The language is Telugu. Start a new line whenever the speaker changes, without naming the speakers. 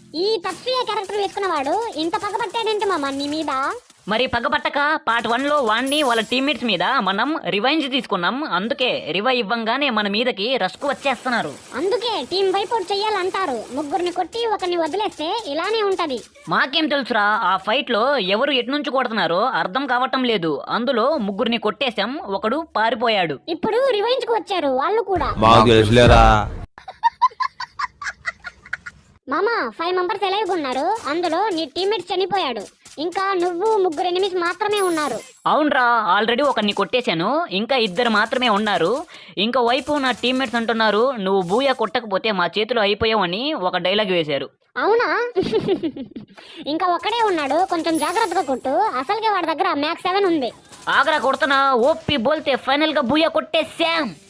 ఈ తప్పియే క్యారెక్టర్ వేసుకున్నవాడు ఇంత పగబట్టాడేంటి మామ నీ మీద?
మరి పగపట్టక పార్ట్ 1లో వాణ్ణి వాళ్ళ టీమ్మేట్స్ మీద మనం రివెంజ్ తీసుకున్నాం. అందుకే రివైవ్ ఇవ్వంగానే మన మీదకి రష్కు వచ్చేస్తున్నారు.
అందుకే టీం వైపౌట్ చెయ్యాలంటారు. ముగ్గురిని కొట్టి ఒకరిని వదిలేస్తే ఇలానే ఉంటది.
మాకేం తెలుసురా, ఆ ఫైట్ లో ఎవరు ఎటు నుంచి కొడుతున్నారో అర్థం కావటం లేదు. అందులో ముగ్గురిని కొట్టేశాం, ఒకడు పారిపోయాడు.
ఇప్పుడు రివెంజ్ కు వచ్చారు వాళ్ళు కూడా. మామ 5 మెంబర్స్ ఎలైవ్ ఉన్నారు. అందులో నీ టీమ్మేట్ చనిపోయాడు. ఇంకా నువ్వు ముగ్గురు ఎనిమిస్ మాత్రమే ఉన్నారు.
అవునరా, ఆల్రెడీ ఒకరిని కొట్టేశాను. ఇంకా 2 మాత్రమే ఉన్నారు. ఇంకా వైపు నా టీమ్మేట్స్ అంటున్నారు, నువ్వు బూయా కొట్టకపోతే మా చేతిలో అయిపోయావని ఒక డైలాగ్ వేశారు.
అవునా? ఇంకా ఒక్కడే ఉన్నాడు, కొంచెం జాగ్రత్తగా కొట్టు. అసలుకే వాడి దగ్గర మ్యాక్స్ 7 ఉంది.
ఆగ్రా కొడుతున్నా, ఓపి బోల్తే ఫైనల్ గా బూయా కొట్టేశాం.